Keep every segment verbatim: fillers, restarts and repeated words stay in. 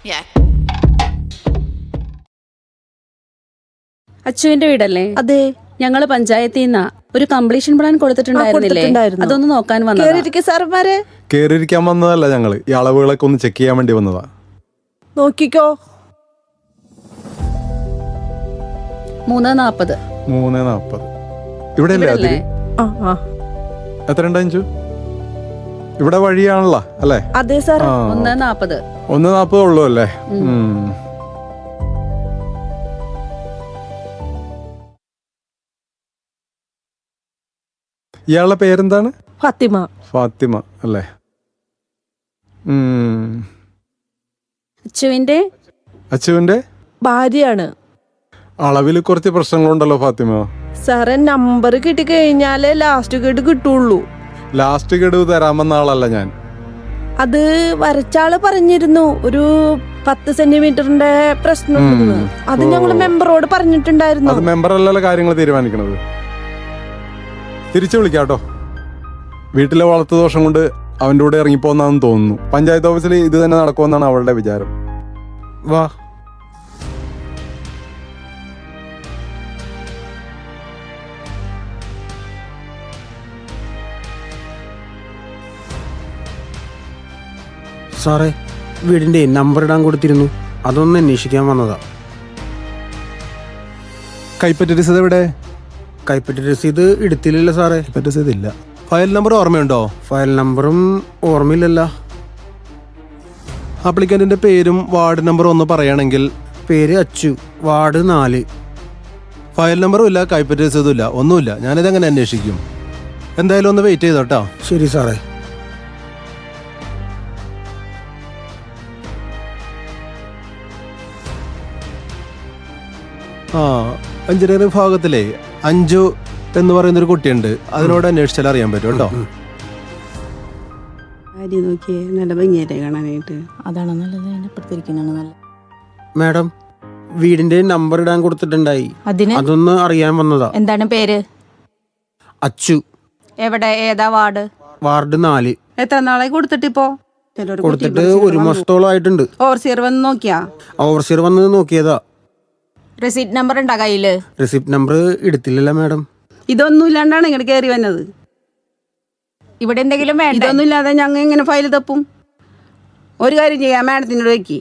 Yeah. അച്ചുവിന്റെ വീടല്ലേ? അതെ. ഞങ്ങള് പഞ്ചായത്തിൽ നിന്നാ ഒരു കംപ്ലീഷൻ പ്ലാൻ കൊടുത്തിട്ടുണ്ടായിരുന്നില്ലേ? അതൊന്ന് നോക്കാൻ വന്നതാ. സാറന്മാരെ കേറിയിരിക്കാൻ വന്നതല്ല, ഞങ്ങള് ഈ അളവുകളൊക്കെ ഒന്ന് ചെക്ക് ചെയ്യാൻ വേണ്ടി വന്നതാ. നോക്കിക്കോ. മൂന്ന് നാപ്പത് മൂന്ന് നാപ്പത് ഇവിടെ അല്ലേ? അതില് എത്ര ഉണ്ട് അഞ്ചു? ഇവിടെ വഴിയാണല്ലോ അല്ലേ? അതെ സാർ. ഒന്ന് നാപ്പത് ഒന്ന് നാപ്പത് ഉള്ളൂ അല്ലേ? ഇയാളുടെ പേരെന്താണ്? ഫാത്തിമ. ഫാത്തിമ അല്ലേ? അച്ചുവിന്റെ അച്ചുവിന്റെ ഭാര്യയാണ്. അളവിൽ കുറച്ച് പ്രശ്നങ്ങളുണ്ടല്ലോ ഫാത്തിമ. സാറേ, നമ്പർ കിട്ടി കഴിഞ്ഞാലേ ലാസ്റ്റ് ഗഡു കിട്ടുള്ളൂ. ലാസ്റ്റ് ഗഡു തരാമെന്ന ആളല്ല ഞാൻ. അത് വരച്ചാള് പറഞ്ഞിരുന്നു ഒരു പത്ത് സെന്റിമീറ്ററിന്റെ പ്രശ്നം. അത് ഞങ്ങള് മെമ്പറോട് പറഞ്ഞിട്ടുണ്ടായിരുന്നു. അത് മെമ്പർ അല്ലല്ലോ കാര്യങ്ങൾ തീരുമാനിക്കണത്. തിരിച്ചു വിളിക്കാട്ടോ. വീട്ടിലെ വളർത്തു ദോഷം കൊണ്ട് അവൻ്റെ കൂടെ ഇറങ്ങിപ്പോന്നാന്ന് തോന്നുന്നു. പഞ്ചായത്ത് ഓഫീസിൽ ഇത് തന്നെ നടക്കുമെന്നാണ് അവളുടെ വിചാരം. വാ. സാറേ, വീടിന്റെ നമ്പർ ഇടാൻ കൊടുത്തിരുന്നു, അതൊന്ന് അന്വേഷിക്കാൻ വന്നതാ. കൈപ്പറ്റ രസീത് എവിടെ? കൈപ്പറ്റ രസീത് എടുത്തില്ലല്ലോ സാറേ. കൈപ്പറ്റ രസീത് ഇല്ല. ഫയൽ നമ്പർ ഓർമ്മയുണ്ടോ? ഫയൽ നമ്പറും ഓർമ്മയില്ലല്ലോ. ആപ്ലിക്കന്റിന്റെ പേരും വാർഡ് നമ്പറും ഒന്ന് പറയുകയാണെങ്കിൽ. പേര് അച്ചു, വാർഡ് നാല്. ഫയൽ നമ്പറും ഇല്ല, കൈപ്പറ്റ രസീതും ഇല്ല, ഒന്നുമില്ല. ഞാനിതെങ്ങനെ അന്വേഷിക്കും? എന്തായാലും ഒന്ന് വെയിറ്റ് ചെയ്തോട്ടോ. ശരി സാറേ. ആ, എഞ്ചിനീയറിംഗ് വിഭാഗത്തിലെ അഞ്ചു എന്ന് പറയുന്നൊരു കുട്ടിയുണ്ട്. അതിനോട് അന്വേഷിച്ചാൽ അറിയാൻ പറ്റും കേട്ടോ. നല്ല ഭംഗിയായിട്ട് കാണാനായിട്ട്. അതാണ് നല്ലത്. അതിനപ്പുറത്തിരിക്കുന്നതാണ് നല്ലത്. മാഡം, വീടിന്റെ നമ്പർ ഇടാൻ കൊടുത്തിട്ടുണ്ടായി, അതിന് അതൊന്ന് അറിയാൻ വന്നതാ. എന്താണ് പേര്? അച്ചു. എവിടെ? ഏതാ വാർഡ്? വാർഡ് നാല്. എത്ര നാളെ കൊടുത്തിട്ടിപ്പോ? കൊടുത്തിട്ട് ഒരു മാസത്തോളം ആയിട്ടുണ്ട്. ഓവർസിയർ വന്ന് നോക്കിയാ? ഓവർസിയർ വന്ന് നോക്കിയതാ. റെസിപ്റ്റ് നമ്പർ ഉണ്ടാ കയ്യില്? റെസിപ്റ്റ് നമ്പർ എടുത്തില്ലല്ലോ മാഡം. ഇതൊന്നും ഇല്ലാണ്ടാണ് ഇങ്ങോട്ട് കയറി വന്നത്. ഇവിടെ എന്തെങ്കിലും വേണ്ട? ഇതൊന്നും ഇല്ലാതെ ഞങ്ങൾ ഇങ്ങനെ ഫയൽ തപ്പും. ഒരു കാര്യം ചെയ്യാം, മാഡത്തിനോട് വെക്കി.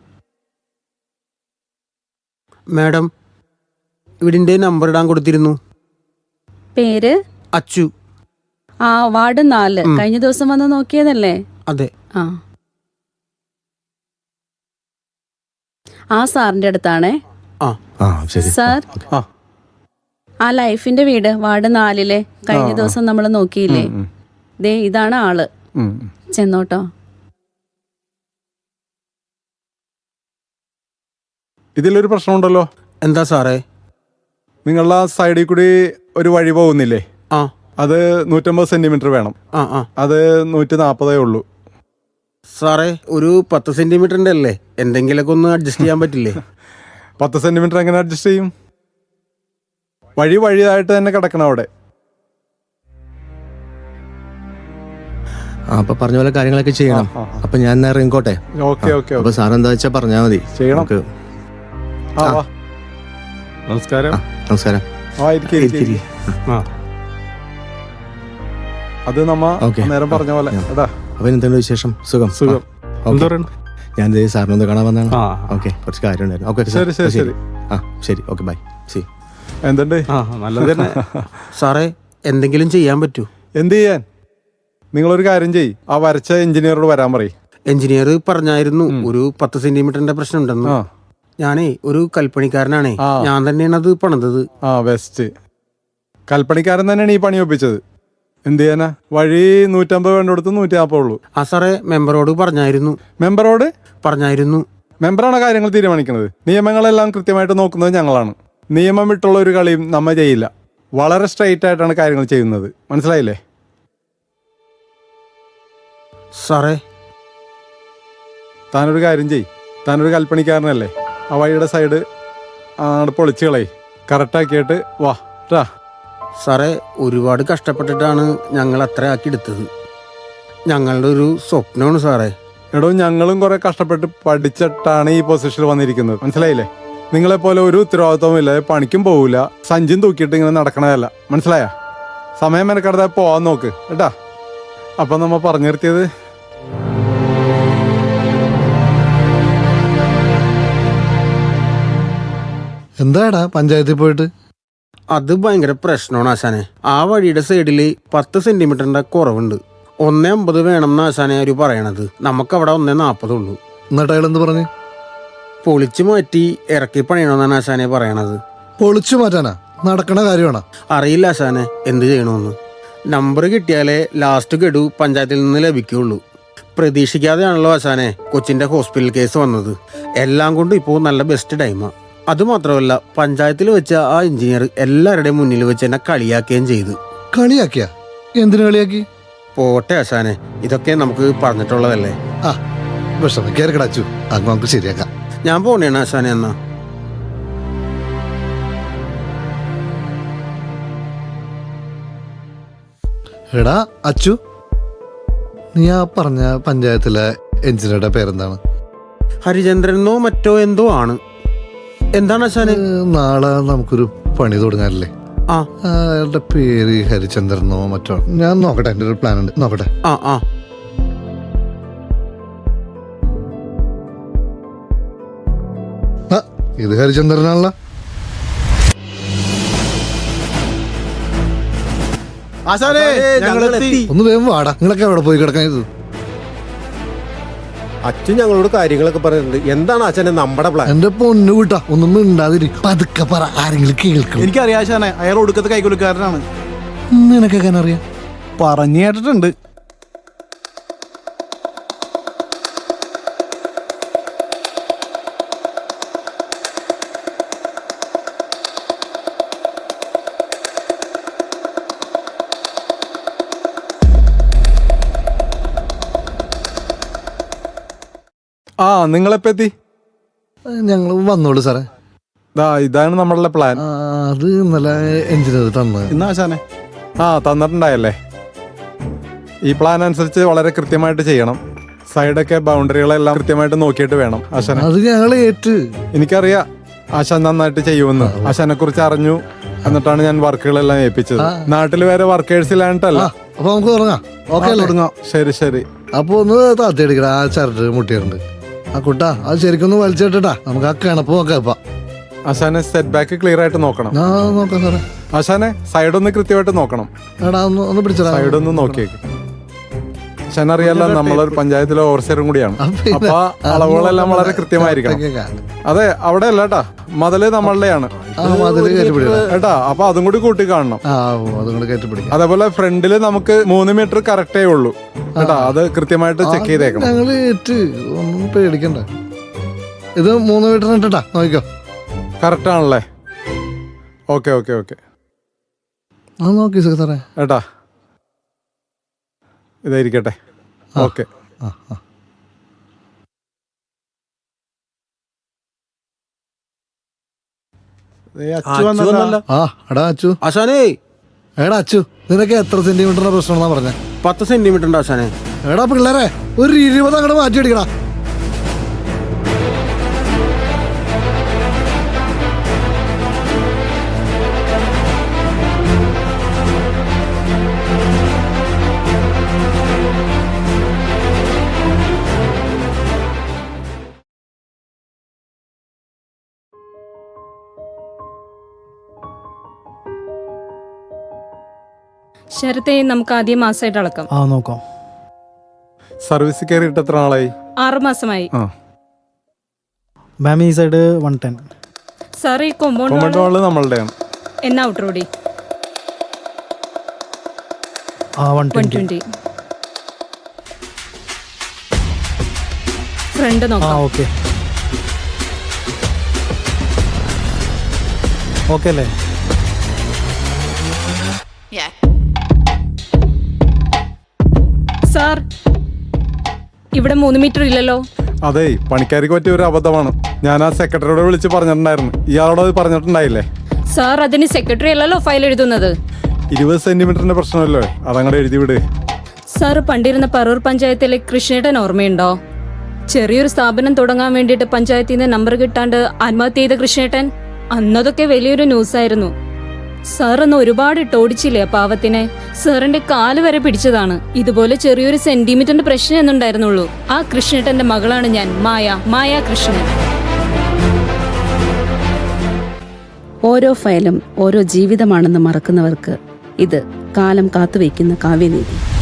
മാഡം, വീടിന്റെ നമ്പർ ഇടാൻ കൊടുത്തിരുന്നു. പേര്? അച്ചു. ആ, വാർഡ് നാല്. കഴിഞ്ഞ ദിവസം വന്ന് നോക്കിയതല്ലേ? അതെ. ആ ആ സാറിന്റെ അടുത്താണേ. ആ സാർ, ആ ലൈഫിന്റെ വീട് വാർഡ് നാലിലെ കഴിഞ്ഞ ദിവസം നമ്മൾ നോക്കിയില്ലേ? ദേ ഇതാണ് ആള്. ചെന്നോട്ടോ. ഇതിലൊരു പ്രശ്നമുണ്ടല്ലോ. എന്താ സാറേ? നിങ്ങളുടെ സൈഡിൽ കൂടി ഒരു വഴി പോകുന്നില്ലേ? ആ, അത് നൂറ്റമ്പത് സെന്റിമീറ്റർ വേണം. ആ ആ അത് നൂറ്റി നാപ്പതേ ഉള്ളൂ. സാറേ, ഒരു പത്ത് സെന്റിമീറ്ററിന്റെ അല്ലേ, എന്തെങ്കിലുമൊക്കെ ഒന്ന് അഡ്ജസ്റ്റ് ചെയ്യാൻ പറ്റില്ലേ? പത്ത് സെന്റിമീറ്റർ എങ്ങനെ അഡ്ജസ്റ്റ് ചെയ്യും? വഴി വഴിയായിട്ട് തന്നെ കിടക്കണം അവിടെ. അപ്പൊ പറഞ്ഞ പോലെ കാര്യങ്ങളൊക്കെ ചെയ്യണം. അപ്പൊ ഞാൻ ഇറങ്ങിക്കോട്ടെ. Okay okay. അപ്പൊ സാർ എന്താ വെച്ചാ പറഞ്ഞാ മതി. ചെയ്യണം. നമസ്കാരം. നമസ്കാരം. അത് നമ്മ നേരം പറഞ്ഞ പോലെ. അപ്പൊ എന്തുണ്ട് വിശേഷം? സുഖം സുഖം. ഞാൻ സാറിനൊന്ന് കാണാൻ വന്നാണ്. ഓക്കെ, കുറച്ച് കാര്യം ഉണ്ടായിരുന്നു. ഓക്കെ ശരി ശരി ശരി. ആ ശരി, ഓക്കെ, ബൈ. സി. എന്തുണ്ട്? നല്ലത് തന്നെ. സാറേ, എന്തെങ്കിലും ചെയ്യാൻ പറ്റൂ? എന്ത് ചെയ്യാൻ? നിങ്ങളൊരു കാര്യം ചെയ്യ്, ആ വരച്ച എഞ്ചിനീയറോട് വരാൻ പറയും. എഞ്ചിനീയർ പറഞ്ഞായിരുന്നു ഒരു പത്ത് സെന്റിമീറ്ററിന്റെ പ്രശ്നം ഉണ്ടെന്ന്. ഞാനേ ഒരു കൽപ്പണിക്കാരനാണേ, ഞാൻ തന്നെയാണ് അത് പണിതത്. ആ, ബെസ്റ്റ്. കൽപ്പണിക്കാരൻ തന്നെയാണ് ഈ പണി ഒപ്പിച്ചത്. എന്ത് ചെയ്യാനാ? വഴി നൂറ്റമ്പത് വേണ്ടടുത്ത് നൂറ്റി നാൽപ്പത് ഉള്ളൂ. ആ സാറേ, മെമ്പറോട് പറഞ്ഞായിരുന്നു. മെമ്പറോട് പറഞ്ഞായിരുന്നു. മെമ്പറാണ് കാര്യങ്ങൾ തീരുമാനിക്കുന്നത്. നിയമങ്ങളെല്ലാം കൃത്യമായിട്ട് നോക്കുന്നത് ഞങ്ങളാണ്. നിയമം വിട്ടുള്ള ഒരു കളിയും നമ്മ ചെയ്യില്ല. വളരെ സ്ട്രെയിറ്റ് ആയിട്ടാണ് കാര്യങ്ങൾ ചെയ്യുന്നത്. മനസ്സിലായില്ലേ? സാറേ, താനൊരു കാര്യം ചെയ്യ്. താനൊരു കൽപ്പണിക്കാരനല്ലേ, ആ വഴിയുടെ സൈഡ് അങ്ങോട്ട് പൊളിച്ച് കളയി. കറക്റ്റാക്കിയിട്ട് വാ ട്ടാ. സാറേ, ഒരുപാട് കഷ്ടപ്പെട്ടിട്ടാണ് ഞങ്ങൾ അത്ര ആക്കി എടുത്തത്. ഞങ്ങളുടെ ഒരു സ്വപ്നമാണ് സാറേ. എടോ ഞങ്ങളും കുറെ കഷ്ടപ്പെട്ട് പഠിച്ചിട്ടാണ് ഈ പൊസിഷനിൽ വന്നിരിക്കുന്നത്, മനസ്സിലായില്ലേ? നിങ്ങളെപ്പോലെ ഒരു ഉത്തരവാദിത്വവും ഇല്ല, പണിക്കും പോവില്ല, സഞ്ചിയും തൂക്കിയിട്ട് ഇങ്ങനെ നടക്കണതല്ല, മനസ്സിലായ? സമയം മെനക്കെടുത്താൽ പോവാൻ നോക്ക് കേട്ടാ. അപ്പം നമ്മ പറഞ്ഞു നിർത്തിയത് എന്താടാ പഞ്ചായത്തിൽ പോയിട്ട്? അത് ഭയങ്കര പ്രശ്നമാണ് ആശാനെ. ആ വഴിയുടെ സൈഡില് പത്ത് സെന്റിമീറ്ററിന്റെ കുറവുണ്ട്. ഒന്നേ അമ്പത് വേണം എന്ന് ആശാനെ അവര് പറയണത്. നമുക്കവിടെ ഒന്നേ നാപ്പതുള്ളൂ. എന്നിട്ട് അയാൾ എന്ത് പറഞ്ഞു? പൊളിച്ചു മാറ്റി ഇറക്കി പണിയണമെന്നാണ് ആശാനെ പറയണത്. പൊളിച്ചു മാറ്റാനാ? നടക്കണ കാര്യമാണോ? അറിയില്ല ആശാനെ എന്ത് ചെയ്യണമെന്ന്. നമ്പർ കിട്ടിയാലേ ലാസ്റ്റ് ഗഡു പഞ്ചായത്തിൽ നിന്ന് ലഭിക്കുകയുള്ളൂ. പ്രതീക്ഷിക്കാതെയാണല്ലോ ആശാനെ കൊച്ചിന്റെ ഹോസ്പിറ്റൽ കേസ് വന്നത്. എല്ലാം കൊണ്ടും ഇപ്പോൾ നല്ല ബെസ്റ്റ് ടൈമാണ്. അതുമാത്രമല്ല, പഞ്ചായത്തിൽ വെച്ച ആ എഞ്ചിനീയർ എല്ലാവരുടെയും മുന്നിൽ വെച്ച് എന്നെ കളിയാക്കുകയും ചെയ്തു. കളിയാക്കിയ? എന്തിനു കളിയാക്കി? പോട്ടെ ആശാനെ, ഇതൊക്കെ നമുക്ക് പറഞ്ഞിട്ടുള്ളതല്ലേ. ആ വിഷമ കയറി കിടച്ചു, അത് നമുക്ക് ശരിയാക്കാം. ഞാൻ പോണേണ് ആശാനെ എന്നാ. എടാ അച്ചു, നീ ആ പറഞ്ഞ പഞ്ചായത്തിലെ എഞ്ചിനീയറുടെ പേരെന്താണ്? ഹരിചന്ദ്രനോ മറ്റോ എന്തോ ആണ്. എന്താണ് ആശാനെ? നാളെ നമുക്കൊരു പണി തുടങ്ങാനല്ലേ? ആ അയാളുടെ പേര് ഹരിചന്ദ്രനോ മറ്റോ. ഞാൻ നോക്കട്ടെ, എൻ്റെ ഒരു പ്ലാൻ ഉണ്ട്, നോക്കട്ടെ. ആ ആ ആ ഇത് ഹരിചന്ദ്രനാണല്ലോ. ഒന്ന് വേഗം വാടാ, നിങ്ങളൊക്കെ എവിടെ പോയി കിടക്കാൻ? ഇത് അച്ഛൻ ഞങ്ങളോട് കാര്യങ്ങളൊക്കെ പറഞ്ഞിട്ടുണ്ട്. എന്താണ് അച്ഛനെ നമ്മുടെ പ്ലാൻ? എന്റെ പൊന്നു കൂട്ടാ, ഒന്നും മിണ്ടാതിരിക്കും, പതുക്കെ പറ, ആരെങ്കിലും കേൾക്കും. എനിക്കറിയാം ആശാനെ, അയാൾ ഒടുക്കത്തെ കൈകൊടുക്കാരനാണ്. നിനക്കൊക്കെ അറിയാം? പറഞ്ഞു കേട്ടിട്ടുണ്ട്. ആ നിങ്ങളെപ്പോ എത്തി? ഞങ്ങൾ വന്നോളൂ സാറേ. ദാ ഇതാണ് നമ്മളുടെ പ്ലാൻ. ആ, അത് ഇന്നലെ എഞ്ചിനീയർ തന്നത്. ഇന്ന് ആശാനെ ആ തന്നിട്ടുണ്ടായല്ലേ. ഈ പ്ലാൻ അനുസരിച്ച് വളരെ കൃത്യമായിട്ട് ചെയ്യണം. സൈഡൊക്കെ ബൗണ്ടറികളെല്ലാം കൃത്യമായിട്ട് നോക്കിയിട്ട് വേണം ആശാനെ. അത് ഞങ്ങൾ ഏറ്റ്. എനിക്കറിയാം ആശാൻ നന്നായിട്ട് ചെയ്യുമെന്ന്. ആശാനെ കുറിച്ച് അറിഞ്ഞു, എന്നിട്ടാണ് ഞാൻ വർക്കുകളെല്ലാം ഏൽപ്പിച്ചത്. നാട്ടിൽ വേറെ വർക്കേഴ്സ് ഇല്ലാണ്ടല്ല. അപ്പൊ നമുക്ക് തുടങ്ങാം. ഓക്കെ അല്ലേ? തുടങ്ങാം. ശരി ശരി. അപ്പൊ ഒന്ന് താത്തിയടിക്കട, ആ ചരട് മുട്ടിയിട്ടുണ്ട്. ആ കുട്ടാ അത് ശരിക്കൊന്ന് വലിച്ചിട്ടാ, നമുക്ക് ആ കിണപ്പ് നോക്കാം. ഇപ്പൊ ആശാനെ സെറ്റ് ബാക്ക് ക്ലിയർ ആയിട്ട് നോക്കണം. ആ നോക്കാം സാറേ. ആശാനെ സൈഡ് ഒന്ന് കൃത്യമായിട്ട് നോക്കണം. എടാ ഒന്ന് ഒന്ന് പിടിച്ചടാ. സൈഡ് ഒന്ന് നോക്കിയേക്ക്. ആശാൻ അറിയാലോ, നമ്മളൊരു പഞ്ചായത്തിലെ ഓവർസിയറും കൂടിയാണ്. അപ്പൊ അളവുകളെല്ലാം വളരെ കൃത്യമായിരിക്കണം. അതെ, അവിടെ അല്ല കേട്ടാ, മതില് നമ്മളുടെയാണ് കേട്ടാ. അപ്പൊ അതും കൂടി കൂട്ടി കാണണം. അതേപോലെ ഫ്രണ്ടില് നമുക്ക് മൂന്ന് മീറ്റർ കറക്റ്റേ ഉള്ളൂ കേട്ടാ, അത് കൃത്യമായിട്ട് ചെക്ക് ചെയ്തേക്കണം. ഞങ്ങള് ഏറ്റ്, ഒന്നും പേടിക്കണ്ട. ഇത് മൂന്ന് മീറ്റർ ഇട്ടാ നോക്കിക്കോ. കറക്റ്റ് ആണല്ലേ? Okay okay okay. ആ നോക്കി സാറേ. ഏട്ടാ ഇതായിരിക്കട്ടെ. ഓക്കെ. ആ ആ ആ എടാ അച്ചു. ആശാനേ എടാ അച്ചു, നിനക്ക് എത്ര സെന്റിമീറ്ററിന്റെ പ്രശ്നം പറഞ്ഞ? പത്ത് സെന്റിമീറ്റർ ഉണ്ട് ആശാനെ. എടാ പിള്ളേരെ, ഒരു ഇരുപത് അങ്ങോട്ട് മാറ്റി അടിക്കടാ. ശരത്തെ നമുക്ക് ആദ്യം മാസമായിട്ട് അളക്കാം. ആ നോക്കാം. സർവീസ് കയറിയിട്ട് എത്ര നാളായി? ആറു മാസമായി. ആ മാം ഈ സൈഡ് വൺ ടെൻ. സാർ ഈ കോമ്പൗണ്ട് കോമ്പൗണ്ട് വാള് നമ്മളുടെയാണ്. എന്നാ ഔട്ടർ റോഡി ആ വൺ വൺ ട്വന്റി. ഫ്രണ്ട് ആ നോക്കാം. ഓക്കെ ഓക്കെ അല്ലേ? സാർ ഇവിടെ മൂന്ന് മീറ്റർ ഇല്ലല്ലോ. അതെ, പണിക്കാർക്ക് പറ്റിയ ഒരു അബദ്ധമാണ്. ഞാൻ ആ സെക്രട്ടറിയോട് വിളിച്ച് പറഞ്ഞിട്ടുണ്ടായിരുന്നു. ഇയാളോട് അത് പറഞ്ഞിട്ടുണ്ടായില്ലേ? സാർ അതിന് സെക്രട്ടറി അല്ലല്ലോ ഫയൽ എഴുതുന്നത്. ഇരുപത് സെന്റിമീറ്ററിന്റെ പ്രശ്നമല്ലോ, അതങ്ങടെ എഴുതി വിട്. സാർ പണ്ടിരുന്ന പറൂർ പഞ്ചായത്തിലെ കൃഷ്ണേട്ടൻ ഓർമ്മയുണ്ടോ? ചെറിയൊരു സ്ഥാപനം തുടങ്ങാൻ വേണ്ടിയിട്ട് പഞ്ചായത്തിൽ നിന്ന് നമ്പർ കിട്ടാണ്ട് ആത്മഹത്യ ചെയ്ത കൃഷ്ണേട്ടൻ, അന്നതൊക്കെ വലിയൊരു ന്യൂസായിരുന്നു. സാർ അന്ന് ഒരുപാട് ഇട്ടോടിച്ചില്ലേ ആ പാവത്തിനെ. സാറിന്റെ കാല് വരെ പിടിച്ചതാണ്. ഇതുപോലെ ചെറിയൊരു സെന്റിമീറ്ററിന്റെ പ്രശ്നം എന്നുണ്ടായിരുന്നുള്ളൂ. ആ കൃഷ്ണേട്ടന്റെ മകളാണ് ഞാൻ, മായ മായ കൃഷ്ണൻ. ഓരോ ഫയലും ഓരോ ജീവിതമാണെന്ന് മറക്കുന്നവർക്ക് ഇത് കാലം കാത്തുവയ്ക്കുന്ന കാവ്യനീതി.